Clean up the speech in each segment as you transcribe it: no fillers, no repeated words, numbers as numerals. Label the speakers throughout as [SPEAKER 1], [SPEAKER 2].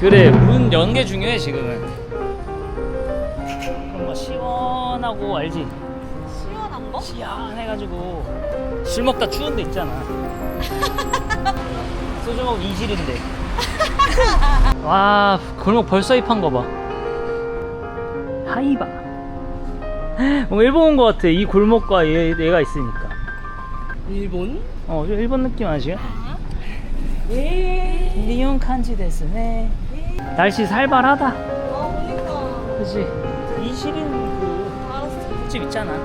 [SPEAKER 1] 그래, 문 연 게 중요해 지금은. 뭔가 시원하고 알지?
[SPEAKER 2] 시원한 거?
[SPEAKER 1] 시원해가지고 술 먹다 추운 데 있잖아. 소주 먹으면 이질인데. 와, 골목 벌써 입한 거 봐. 하이바. 뭔가 일본 온 거 같아. 이 골목과 얘가 있으니까.
[SPEAKER 2] 일본?
[SPEAKER 1] 좀 일본 느낌 아시죠? 리온 칸지 데스네. 날씨 살벌하다.
[SPEAKER 2] 그니까.
[SPEAKER 1] 그치? 이실은
[SPEAKER 2] 알았어.
[SPEAKER 1] 집 있잖아.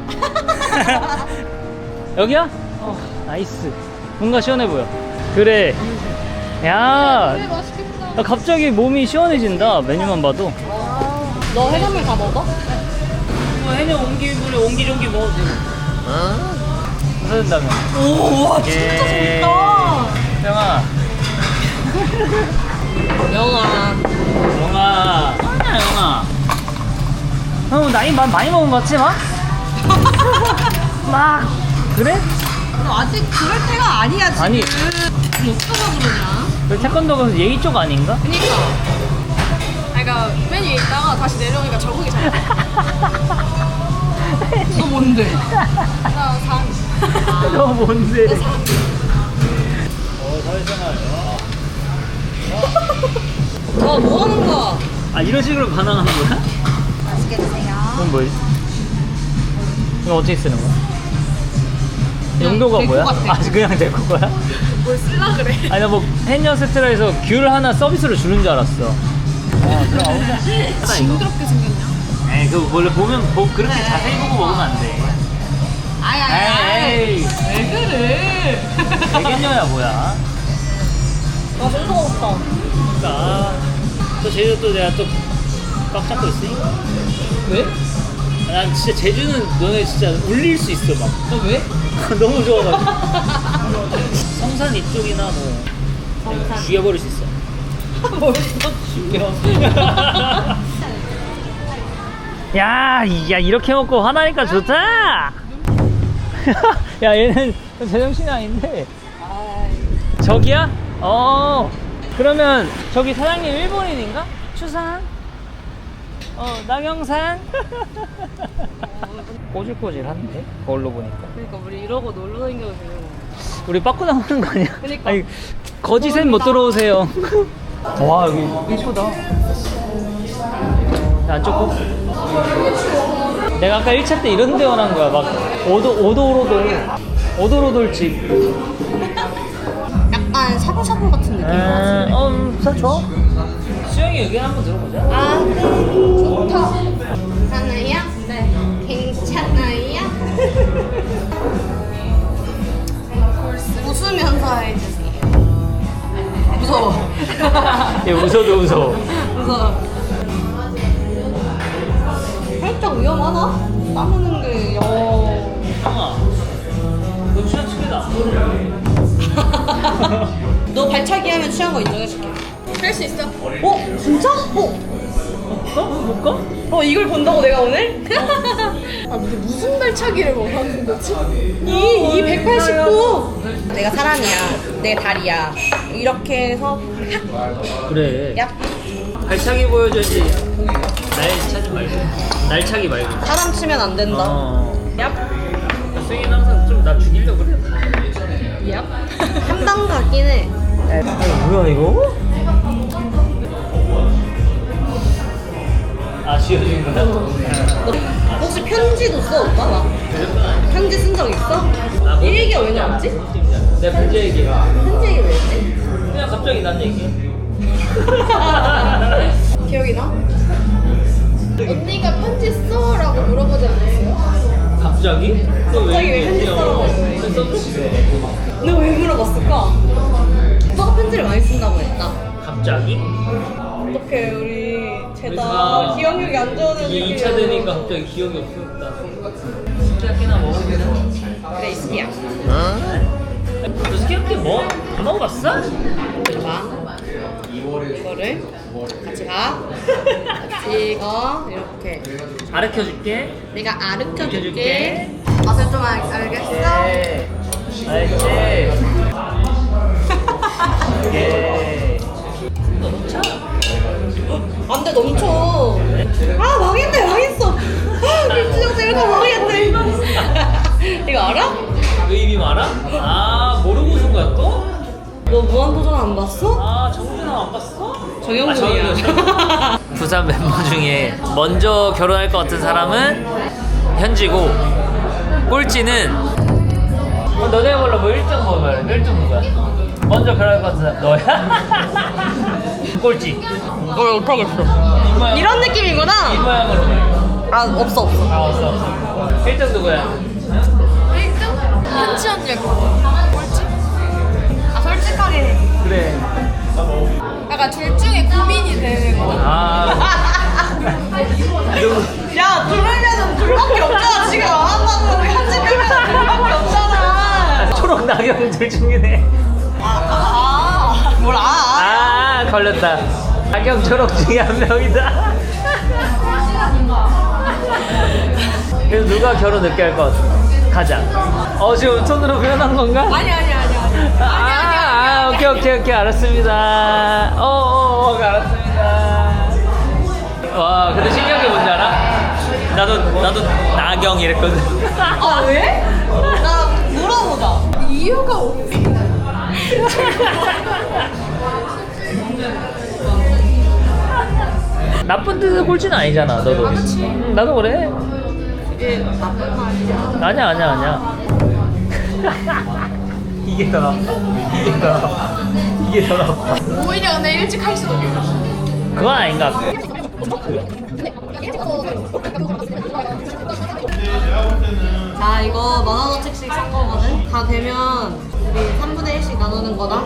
[SPEAKER 1] 여기야? 나이스. 뭔가 시원해 보여. 그래. 야,
[SPEAKER 2] 그래, 맛있겠다.
[SPEAKER 1] 나 갑자기 몸이 시원해진다. 메뉴만 봐도.
[SPEAKER 2] 너 해산물 다 먹어?
[SPEAKER 1] 해녀 옹기종기 먹어도 돼. 사준다면.
[SPEAKER 2] 오, 와, 진짜 좋다.
[SPEAKER 1] 형아.
[SPEAKER 2] 영아.
[SPEAKER 1] 아니야, 영아. 형, 나이 많이 먹은 거 같지, 막? 막. 그래?
[SPEAKER 2] 너 아직 그럴 때가 아니야, 지금.
[SPEAKER 1] 아니.
[SPEAKER 2] 어쩌다 그러냐?
[SPEAKER 1] 그 태권도가 예의 쪽 아닌가?
[SPEAKER 2] 그니까. 그러니까 맨 위에 있다가 다시 내려오니까 적응이 잘 돼. 너 뭔데? 나 상.
[SPEAKER 1] 너 뭔데?
[SPEAKER 2] 나 상.
[SPEAKER 1] 사회생활.
[SPEAKER 2] 뭐 하는 거야?
[SPEAKER 1] 이런 식으로 반항하는 거야?
[SPEAKER 2] 맛있게 드세요.
[SPEAKER 1] 그건 뭐지? 이거 어떻게 쓰는 거야?
[SPEAKER 2] 그냥
[SPEAKER 1] 용도가
[SPEAKER 2] 데코
[SPEAKER 1] 뭐야?
[SPEAKER 2] 같아.
[SPEAKER 1] 그냥 데코 거야?
[SPEAKER 2] 뭘 쓸라 그래?
[SPEAKER 1] 아니, 나 뭐 해녀 세트라 해서 귤 하나 서비스로 주는 줄 알았어. 들어가보자.
[SPEAKER 2] 징그럽게 생겼냐?
[SPEAKER 1] 에이, 그 원래 보면 그렇게 자세히 보고 먹으면 안 돼. 에이,
[SPEAKER 2] 왜 그래?
[SPEAKER 1] 되겠냐야 뭐야?
[SPEAKER 2] 나 진짜 먹었다.
[SPEAKER 1] 그러니까 또 제주 또 내가 또 꽉 잡고 있으니까.
[SPEAKER 2] 왜?
[SPEAKER 1] 난 진짜 제주는 너네 진짜 울릴 수 있어 막.
[SPEAKER 2] 너 왜?
[SPEAKER 1] 너무 좋아가지고. 성산 이쪽이나 뭐
[SPEAKER 2] 성산.
[SPEAKER 1] 죽여버릴 수 있어.
[SPEAKER 2] 벌써 죽여.
[SPEAKER 1] 야, 이렇게 먹고 화나니까 좋다. 야, 얘는 제정신이 아닌데. 저기야? 그러면 저기 사장님 일본인인가? 추산? 낙영산? 꼬질꼬질한데? 거울로 보니까.
[SPEAKER 2] 그러니까 우리 이러고 놀러 다녀도 되는 거.
[SPEAKER 1] 우리 빠꾸 나오는 거 아니야?
[SPEAKER 2] 그러니까.
[SPEAKER 1] 아니, 거짓엔 못 들어오세요. 와, 여기 예쁘다. 안 좁고? 내가 아까 1차 때 이런 데 원한 거야. 막 오도로돌집.
[SPEAKER 2] 약간 샤브샤브 같은 느낌.
[SPEAKER 1] 좋아. 수영이 의견 한번 들어보자.
[SPEAKER 2] 아, 좋다. 괜찮아요? 네. 괜찮아요? 웃으면서 해주세요. 무서워.
[SPEAKER 1] 얘 웃어도 웃어.
[SPEAKER 2] 무서워. 살짝 위험하나? 따무는 게,
[SPEAKER 1] 형아, 너 취한 척해다.
[SPEAKER 2] 너 발차기 하면 취한 거 인정해줄게. 할 수 있어. 진짜?
[SPEAKER 1] 못 가?
[SPEAKER 2] 이걸 본다고 내가 오늘? 무슨 발차기를 원하는 거지? 이 189. 내가 사람이야. 내 다리야. 이렇게 해서
[SPEAKER 1] 그래.
[SPEAKER 2] 얍.
[SPEAKER 1] 발차기 보여줘야지. 날차기 말고.
[SPEAKER 2] 사람 치면 안 된다. 얍.
[SPEAKER 1] 수영이는 항상 좀 나 죽이려고 그래.
[SPEAKER 2] 얍. 한 방 가긴 해.
[SPEAKER 1] 뭐야 이거? 지어준 거야?
[SPEAKER 2] 너 혹시 편지도 써 오빠? 나 편지 쓴 적 있어? 이 얘기가 왜 나왔지?
[SPEAKER 1] 내 편지 얘기.
[SPEAKER 2] 편지 얘기 왜 했지?
[SPEAKER 1] 그냥 갑자기 난 얘기.
[SPEAKER 2] 기억이 나? 언니가 편지 써라고 물어보지 않았어요?
[SPEAKER 1] 갑자기?
[SPEAKER 2] 갑자기 왜 편지 써라고 했어? 너 왜 물어봤을까? 오빠가 편지를 많이 쓴다고 했다.
[SPEAKER 1] 갑자기?
[SPEAKER 2] 어떡해 우리
[SPEAKER 1] 그래서
[SPEAKER 2] 쟤다 기억력이 안 좋아지는
[SPEAKER 1] 이게 2차 되니까 갑자기 기억이 없었다. 스키야키나 먹어보자.
[SPEAKER 2] 그래 이스키야.
[SPEAKER 1] 너 스키야키 뭐? 다 먹어봤어?
[SPEAKER 2] 봐 이거를 같이 가 같이 이거 이렇게
[SPEAKER 1] 가르쳐줄게.
[SPEAKER 2] 내가 아르켜줄게.
[SPEAKER 1] 알려줄게.
[SPEAKER 2] 맛을 좀 알겠어?
[SPEAKER 1] 네. 알지? 오케이. 더 넣자.
[SPEAKER 2] 안돼 넘쳐. 아 망했네 망했어. 아 김치정 이거 다 망했네. 이거 알아?
[SPEAKER 1] 왜 입이 많아? 아 모르고 쓴 거야 또?
[SPEAKER 2] 너 무한도전 안 봤어?
[SPEAKER 1] 아 정준아 안 봤어?
[SPEAKER 2] 정영훈이야.
[SPEAKER 1] 부산 멤버 중에 먼저 결혼할 것 같은 사람은 현지고 꼴찌는 너네 몰라 뭐 1등 뭐 말해 1등 누구야? 먼저 결혼할 것 같은 사람 너야? 꼴찌
[SPEAKER 2] 못하겠어.
[SPEAKER 1] 입모양
[SPEAKER 2] 이런 느낌이구나.
[SPEAKER 1] 입모양으로
[SPEAKER 2] 아 없어.
[SPEAKER 1] 아 없어 1등 누구야?
[SPEAKER 3] 1등? 현지 언니일 것 같아. 꼴찌? 아 솔직하게
[SPEAKER 1] 그래
[SPEAKER 3] 약간 둘 중에 고민이 되는 거.
[SPEAKER 1] 아 누구?
[SPEAKER 2] 야 둘이면은 둘밖에 없잖아 지금 안 한다고 현지 빼면 둘밖에 없잖아.
[SPEAKER 1] 초록 낙엽 둘 중이네
[SPEAKER 2] 뭘
[SPEAKER 1] 아 걸렸다 낙엽 초록 중에 한 명이다 그래서 누가 결혼 늦게 할 것 같아? 가장 지금 손으로 표현한 건가?
[SPEAKER 2] 아니.
[SPEAKER 1] 오케이 알았습니다 알았습니다 와 근데 신기한 게 뭔지 알아? 나도 나경 이랬거든
[SPEAKER 2] 아 왜? 나 물어보자.
[SPEAKER 3] 이유가 없어.
[SPEAKER 1] 나쁜 뜻의 꼴찌는 아니잖아 너도 나도 그래
[SPEAKER 2] 이게 나쁜 말이야.
[SPEAKER 1] 아니야 이게 더 나빠 이게 더 나빠
[SPEAKER 3] 오히려 근데 일찍 할 수도 있어.
[SPEAKER 1] 그건 아닌가
[SPEAKER 2] 자 이거 10,000원어치씩 산 거거든. 다 되면 우리 3분의 1씩 나누는 거다.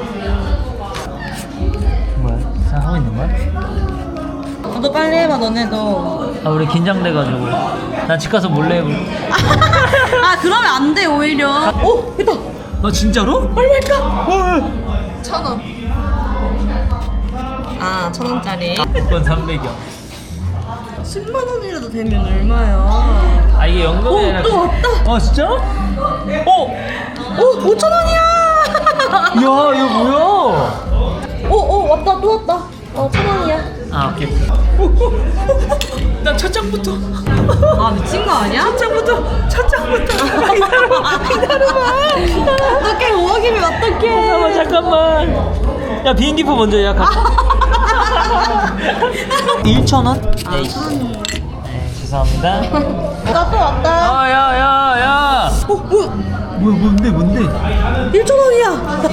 [SPEAKER 1] 뭐야 하고 있는 거야?
[SPEAKER 2] 너도 빨리 해봐 너네도.
[SPEAKER 1] 아 우리 긴장돼가지고 난 집 가서 몰래 해볼게
[SPEAKER 2] 아 그러면 안 돼 오히려. 오 됐다.
[SPEAKER 1] 아 진짜로?
[SPEAKER 2] 빨리 할까?
[SPEAKER 3] 1,000원.
[SPEAKER 2] 아 1,000원짜리.
[SPEAKER 1] 그건 300이요
[SPEAKER 2] 10만 원이라도 되면 얼마야?
[SPEAKER 1] 아 이게 연금이 아니라
[SPEAKER 2] 또 왔다.
[SPEAKER 1] 진짜?
[SPEAKER 2] 오 5,000원이야.
[SPEAKER 1] 야 이거 뭐야
[SPEAKER 2] 오 왔다 또 왔다. 1,000원이야.
[SPEAKER 1] 아 오케이 난 첫 장부터
[SPEAKER 2] 아 미친 거 아니야? 첫 장부터. 기다려봐. 어떡해 5억이면 어떡해.
[SPEAKER 1] 잠깐만 야 비행기표 먼저 예약할게 1,000원? 네 죄송합니다
[SPEAKER 2] 나 또 왔다.
[SPEAKER 1] 야야야야
[SPEAKER 2] 뭐야
[SPEAKER 1] 뭔데
[SPEAKER 2] 1,000원이야.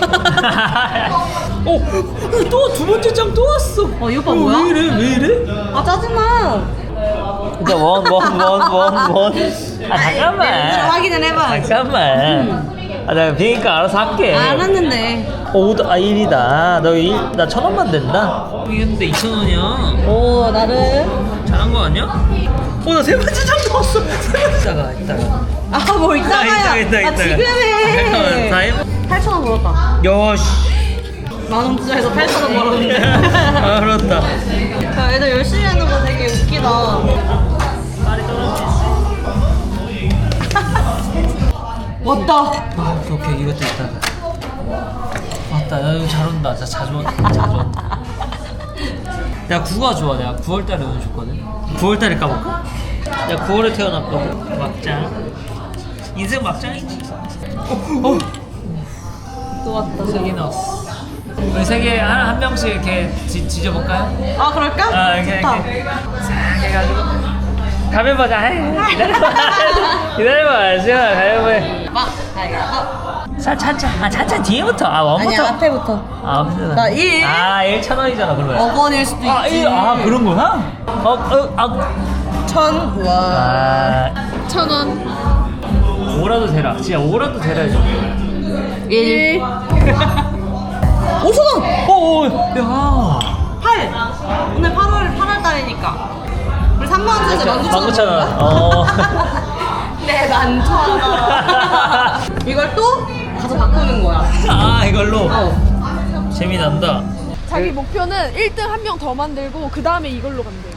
[SPEAKER 1] 또 두 번째 장 또 왔어
[SPEAKER 2] 이 오빠 뭐야?
[SPEAKER 1] 왜 이래
[SPEAKER 2] 아 짜증나.
[SPEAKER 1] 진짜 원 잠깐만
[SPEAKER 2] 확인을 해봐.
[SPEAKER 1] 잠깐만 나 비행기값 알아서 할게
[SPEAKER 2] 안 왔는데.
[SPEAKER 1] 1이다 나 1,000원만 된다 이겼는데 2,000원이야
[SPEAKER 2] 오 나를.
[SPEAKER 1] 잘한 거 아니야? 나 세 번째 장도 왔어 세 번째 이따가
[SPEAKER 2] 뭐 이따가야.
[SPEAKER 1] 이따가.
[SPEAKER 2] 지금 해.
[SPEAKER 1] 다 해?
[SPEAKER 2] 8,000원 벌었다.
[SPEAKER 1] 야씨
[SPEAKER 2] 10,000원 투자해서 8,000원 벌었는데.
[SPEAKER 1] 알았다
[SPEAKER 2] 야, 애들 열심히 하는 거 되게 웃기다. 왔다.
[SPEAKER 1] 오케이 이것도 있다 맞다 야 이거 잘 온다 진짜 자주 온다 내가 9가 좋아 내가 9월달에 운이 좋거든 9월달에 까볼까? 내가 9월에 태어났거든 막장 인생 막장이지
[SPEAKER 2] 또 왔다.
[SPEAKER 1] 세개 나왔어 우리 세 개 한 명씩 이렇게 지져볼까요?
[SPEAKER 2] 아 그럴까?
[SPEAKER 1] 이렇게
[SPEAKER 2] 좋다.
[SPEAKER 1] 싹 해가지고 가위바위보 자 기다려봐 지금 가위바위보 해 찬찬 뒤에부터 원부터
[SPEAKER 2] 아니야 앞에부터.
[SPEAKER 1] 앞부터
[SPEAKER 2] 나 1.
[SPEAKER 1] 1,000원이잖아 그러면
[SPEAKER 2] 5원일 수도 있지.
[SPEAKER 1] 그런 거야?
[SPEAKER 2] 1,000. 와.
[SPEAKER 3] 1,000원.
[SPEAKER 1] 5라도 되라 진짜 5라도 되라 좀
[SPEAKER 2] 1. 5,000원.
[SPEAKER 1] 야
[SPEAKER 2] 8. 오늘 8월 달이니까. 우리 3만 원 쓰자.
[SPEAKER 1] 19,000원
[SPEAKER 2] 네, 많잖아. 이걸 또 가서 바꾸는 거야.
[SPEAKER 1] 이걸로 재미난다
[SPEAKER 3] 자기 목표는 1등 한 명 더 만들고 그 다음에 이걸로 간대요.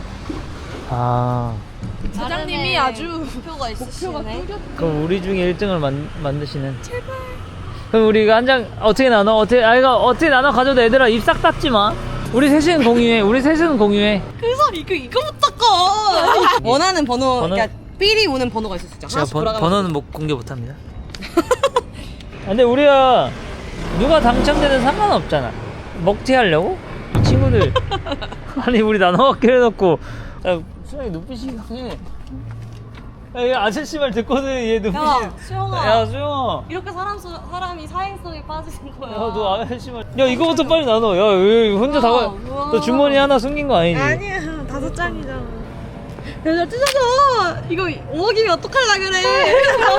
[SPEAKER 3] 사장님이 아주
[SPEAKER 2] 목표가 있으시네.
[SPEAKER 1] 그럼 우리 중에 1등을 만드시는 제발 그럼 우리가 한 장 어떻게 나눠? 어떻게 나눠 가져도 애들아 입 싹 닫지 마 우리 셋은 공유해. 우리 셋은 공유해.
[SPEAKER 2] 그래서 이거부터 꺼. 원하는 번호,
[SPEAKER 1] 번호?
[SPEAKER 2] 그러니까 삘이 오는 번호가 있을 수 있죠.
[SPEAKER 1] 제가
[SPEAKER 2] 하나씩 돌아가면서.
[SPEAKER 1] 번호는 못 공개 못합니다. 근데 우리가 누가 당첨되든 상관없잖아. 먹튀 하려고? 이 친구들. 아니 우리 나눠 갖기로 해놓고. 야, 수영이 눈빛이 이상해. 야, 얘 아저씨 말 듣고는 얘 눈빛이.
[SPEAKER 2] 야, 수영아.
[SPEAKER 1] 야 수영아.
[SPEAKER 2] 이렇게 사람이 사행성에 빠지는 거야.
[SPEAKER 1] 야, 너 아저씨 말. 야, 이거부터 빨리 나눠. 야, 왜 혼자 다.
[SPEAKER 2] 우와.
[SPEAKER 1] 너 주머니 하나 숨긴 거 아니지?
[SPEAKER 2] 아니야, 5장이잖아. 야, 찢어져. 이거 5억이면 어떡할라 그래.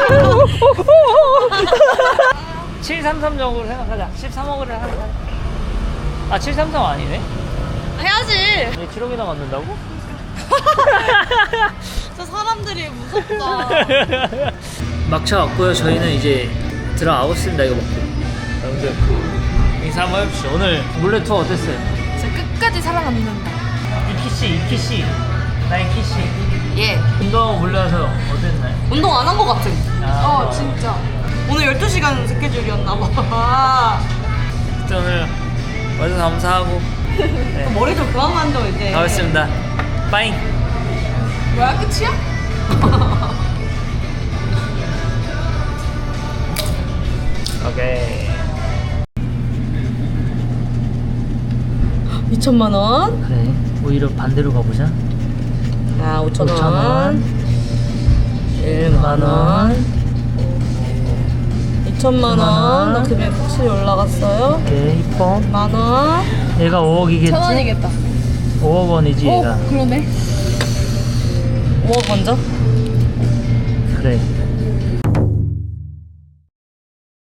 [SPEAKER 1] 733적으로 생각하자. 13억을 하자. 아, 733 아니네?
[SPEAKER 2] 해야지.
[SPEAKER 1] 얘 7억이나 받는다고?
[SPEAKER 2] 저 사람들이 무섭다.
[SPEAKER 1] 막차 왔고요. 저희는 이제 들어가겠습니다. 이거 먹고. 여러분들 인사 한번 해봅시다. 오늘 몰래 투어 어땠어요?
[SPEAKER 3] 진짜 끝까지 살아남는다.
[SPEAKER 1] 이키씨. 나이키씨.
[SPEAKER 2] 예.
[SPEAKER 1] 운동 몰래 와서 어땠나요?
[SPEAKER 2] 운동 안 한 것 같은.
[SPEAKER 1] 아,
[SPEAKER 3] 진짜.
[SPEAKER 2] 오늘 12시간 스케줄이었나 봐.
[SPEAKER 1] 진짜 오늘 와주셔서 감사하고. 네.
[SPEAKER 2] 머리 좀 그만 만져, 이제.
[SPEAKER 1] 가겠습니다. 빠잉.
[SPEAKER 3] 뭐야, 끝이야?
[SPEAKER 1] 오케이.
[SPEAKER 2] 2천만 원.
[SPEAKER 1] 그래. 오히려 반대로 가보자.
[SPEAKER 2] 아, 5천
[SPEAKER 1] 5,000원.
[SPEAKER 2] 원. 1만 원. 2천만 원. 나 금액 확실히 올라갔어요.
[SPEAKER 1] 오케이. 이뻐.
[SPEAKER 2] 만 원.
[SPEAKER 1] 얘가 5억이겠지?
[SPEAKER 3] 1,000원이겠다.
[SPEAKER 1] 5억 원이지 얘가.
[SPEAKER 3] 그러네.
[SPEAKER 2] 5억 먼저.
[SPEAKER 1] 그래.